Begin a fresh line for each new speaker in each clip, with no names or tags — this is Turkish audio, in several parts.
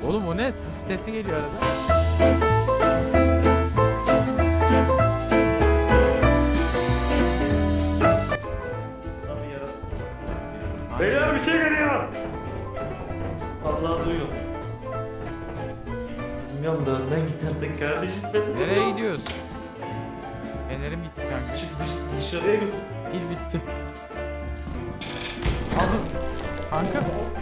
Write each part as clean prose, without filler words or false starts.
Oğlum o ne? Sis sesi geliyor arada.
Beyler bir şey geliyor.
Allah duyuyor. Bilmiyorum da önden git artık kardeşim benim.
Nereye gidiyoruz? Fenerim bitti kanka.
Çık dışarıya götür.
Pil bitti. Aldım. Kanka.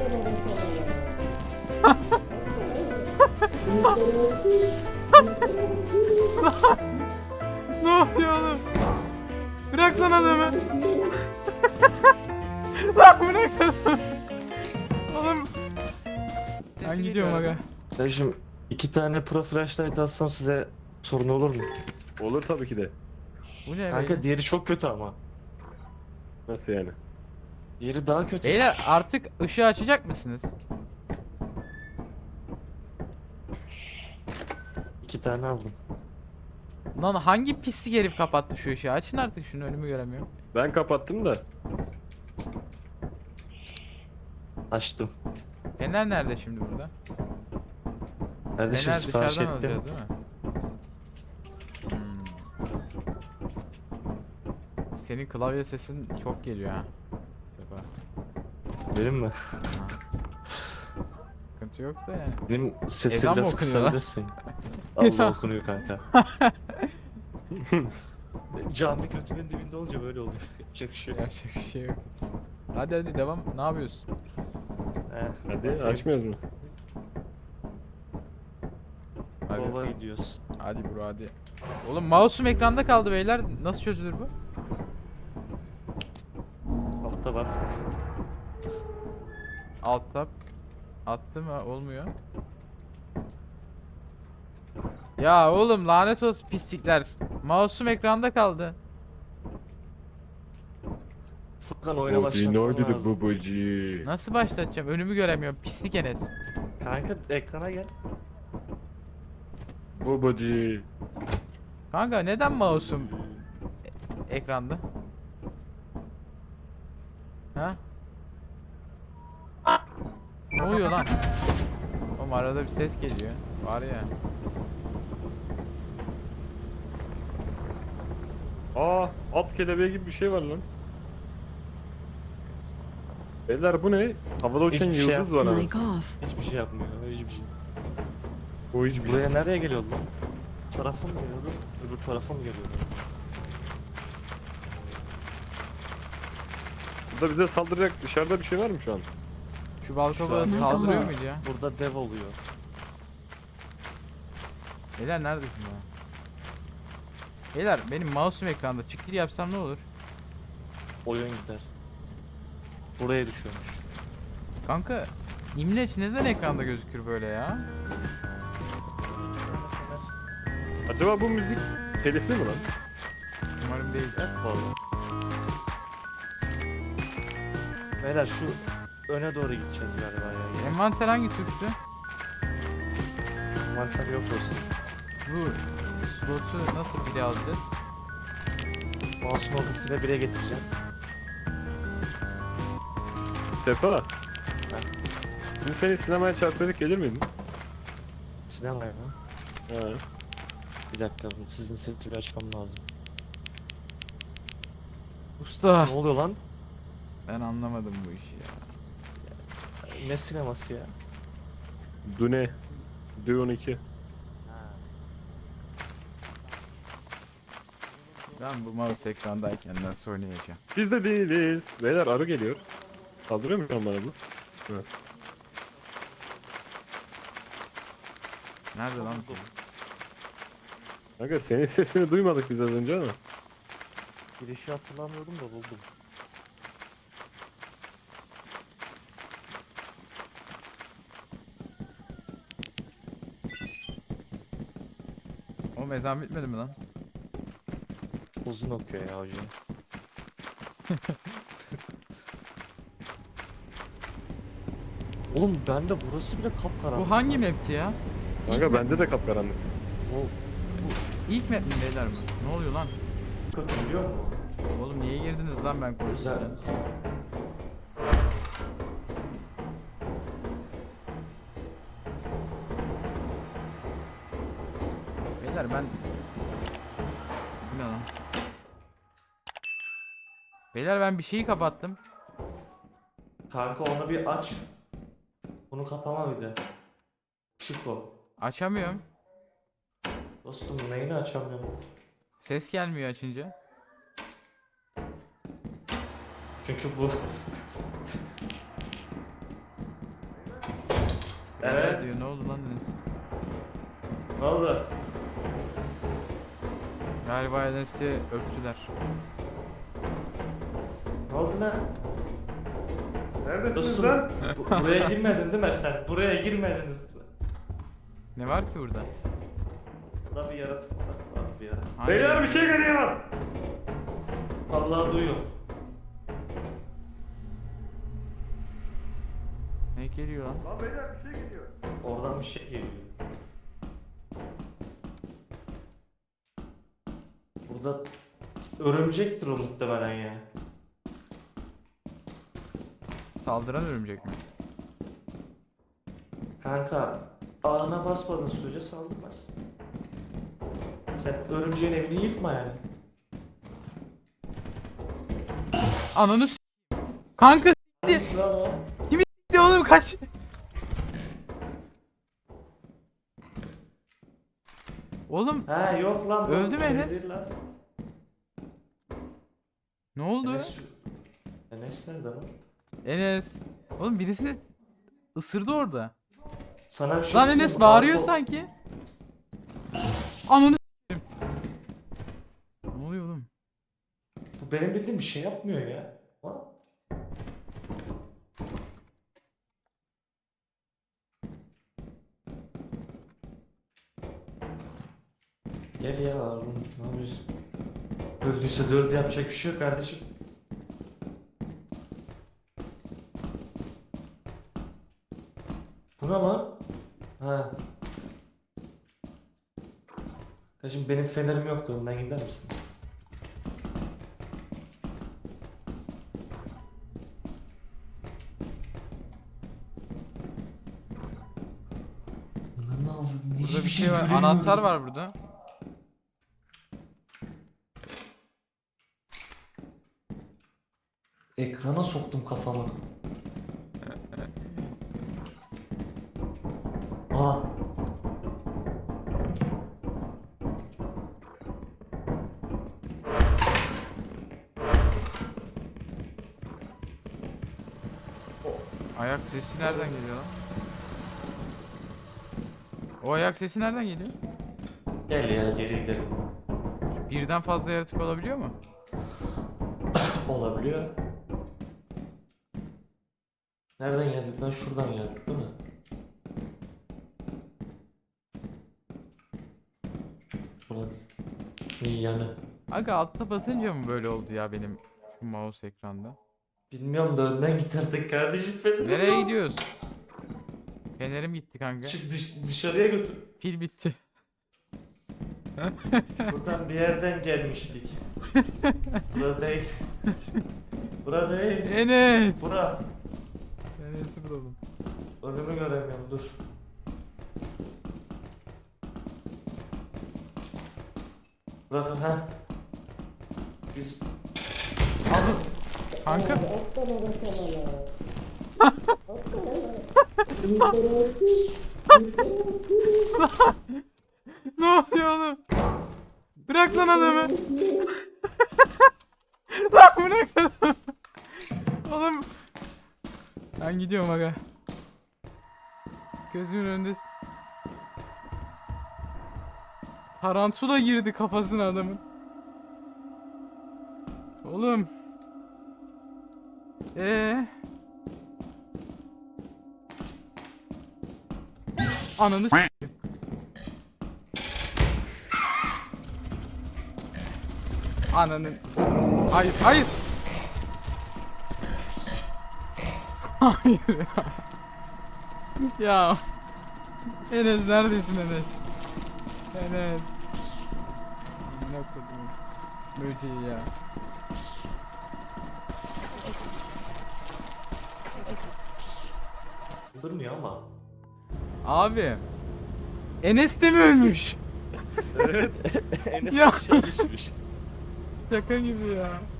Ne oluyor oğlum? Bırak lan adamı. Lan bırak adamı. Oğlum. Ben gidiyorum aga.
Kardeşim 2 tane pro flashlight alsam size sorun olur mu?
Olur tabii ki de.
Bu ne
Kanka
beyler?
diğeri çok kötü ama.
Nasıl yani?
Diğeri daha kötü.
Beyler artık ışığı açacak mısınız?
2 tane aldım.
Lan hangi pislik herif kapattı şu ışığı? Açın artık şunu, önümü göremiyorum.
Ben kapattım da.
Açtım.
Fener nerede şimdi burada?
Kardeşim
Fener
sipariş
dışarıdan
ettim.
alacağız değil mi? Senin klavye sesin çok geliyor ha. Sefa.
Benim mi?
Sıkıntı yok da yani.
Benim sesi
Ezan mı
biraz
okunuyor lan?
kısabilirsin.
Ezan.
Allah okunuyor kanka. Cami götümün dibinde olunca böyle oluyor. Yapacak bir şey yok.
Gerçek bir şey yok. Hadi hadi devam. Ne yapıyorsun?
Hadi açmıyoruz mu?
Hadi.
Baba gidiyoruz.
Hadi bro hadi. Oğlum mouse'um ekranda kaldı beyler. Nasıl çözülür bu?
Altta bat.
Alt tab. Attım ha, olmuyor. Ya oğlum lanet olsun pislikler. Mouse'um ekranda kaldı.
Furkan oyuna başlatman lazım.
babacı.
Nasıl başlatacağım? Önümü göremiyorum. Pislik Enes.
Kanka ekrana gel.
Babacı.
Kanka neden mouse'um ekranda? Ha? Ne oluyor lan? Oğlum arada bir ses geliyor. Var ya.
Aa, at kelebeği gibi bir şey var lan. Beyler bu ne? Havada uçan
Hiçbir şey
yıldız var ama.
Mic off.
Hiçbir şey yapmıyor. Hiçbir şey.
O hiçbir şey.
Buraya nereye geliyordu lan? Bu tarafa mı geliyordu? Öbür tarafa mı geliyordu?
Burada bize saldıracak dışarıda bir şey var mı şu an?
Şu balkona
Şu an-
saldırıyor muydu ya?
Burada dev oluyor.
Beyler neredesin ya? Beyler benim mouse'um ekranda. Çık gir yapsam ne olur?
Oyun gider. Buraya düşüyormuş.
Kanka İmleç neden ekranda gözükür böyle ya?
Acaba bu müzik telifli mi lan?
Umarım değil.
Vallahi. Beyler şu öne doğru gideceğiz galiba ya.
Envanter hangi tuştu?
Mantar yok olsun.
Bu slotu nasıl bile alacağız?
Mouse'un ortasıyla bire getireceğim.
Sefa. Şimdi seni sinemaya çağırsaydık gelir miydin?
Sinemaya mı?
He.
Bir dakika sizin sesi bir açmam lazım.
Usta.
Ne oluyor lan?
Ben anlamadım bu işi ya.
Ne sineması ya?
Dune. Dune 2.
Ben bu mouse ekrandayken nasıl oynayacağım?
Biz de değiliz. Beyler arı geliyor. Saldırıyor mu şu an bana bu? Evet.
Nerede lan bu?
Kanka senin sesini duymadık biz az önce ama.
Girişi hatırlamıyordum da buldum.
O ezan bitmedi mi lan?
Uzun okuyor ya hocam. Oğlum bende burası bile kapkaranlık.
Bu hangi map'ti ya?
Kanka
İlk map
bende
mi?
de kapkaranlık.
İlk map mi beyler mi? Ne oluyor lan?
Biliyor musun?
Oğlum niye girdiniz lan ben
Güzel.
konuşurken? Beyler ben... Bu ne lan? Beyler ben bir şeyi kapattım.
Kanka onu bir aç. Bunu kapama bir de. Çık o.
Açamıyorum.
Dostum neyini açamıyorum?
Ses gelmiyor açınca.
Çünkü bu...
Beyler
Evet.
diyor, ne oldu lan Enes?
Ne oldu?
Galiba Enes'i öptüler.
Ne oldu lan?
Neredesiniz
Dostum
lan?
buraya girmedin değil mi sen? Buraya girmediniz.
Ne var ki burada?
Burada bir yaratık var bir yaratık.
Hayır
Beyler
ya.
bir şey geliyor.
Vallahi duyuyor.
Ne geliyor lan?
Lan beyler bir şey geliyor.
Oradan bir şey geliyor. Burada örümcektir o muhtemelen ya.
Saldıran örümcek mi?
Kanka ağına basmadığın sürece saldırmaz. Sen örümceğin evini yıkma yani.
Ananı s***. Kanka s***di.
Nasıl lan o?
S***di oğlum, kaç. Oğlum
Ha yok lan. bu
Öldü mü
şey
Enes?
değil lan.
ne oldu?
Enes nerede lan?
Enes. Oğlum birisini ısırdı orada.
Sana bir şey
Lan
söyleyeyim
Enes
mi?
bağırıyor
Arko-
sanki. Ananı s**eyim. Ne oluyor oğlum?
Bu benim bildiğim bir şey yapmıyor ya. Ha? Gel ya oğlum, ne yapıyorsun? Öldüyse de öldü, yapacak bir şey yok kardeşim. Bu ne lan? Ha. Kardeşim benim fenerim yoktu, önden gider misin?
Burada bir şey var. Anahtar var burada.
Ekrana soktum kafamı. Aa.
Ayak sesi nereden geliyor lan? O ayak sesi nereden geliyor?
Gel ya, geri gidelim.
Birden fazla yaratık olabiliyor mu?
Olabiliyor. Nereden geldik lan? Şuradan geldik değil mi? Burası. İyi yanı.
Aga altta batınca mı böyle oldu ya benim şu mouse ekranda?
Bilmiyorum da önden git artık kardeşim, fenerim
Nereye
yok.
gidiyoruz? Fenerim gitti kanka.
Çık dışarıya götür.
Pil bitti.
Şuradan bir yerden gelmiştik. Bura değil. Bura değil.
Enes!
Bura.
Enes'i bulalım.
Önümü göremiyorum, dur. Bırakın ha. Biz...
Abi. Kanka. Ne oluyor oğlum? Bırak lan adamı. Lan bırak adamı. Oğlum. Ben gidiyorum aga. Gözümün önünde tarantula girdi kafasına adamın. Oğlum. Ananı s**eyim. Ananın. Hayır, hayır. Hayır ya. Ya. Enes neredesin Enes? Enes. Ne kodum. Böceği ya.
Durmuyor ama.
Abi. Enes de mi ölmüş?
Evet.
Enes
Ya.
aşağı düşmüş.
Şaka gibi ya.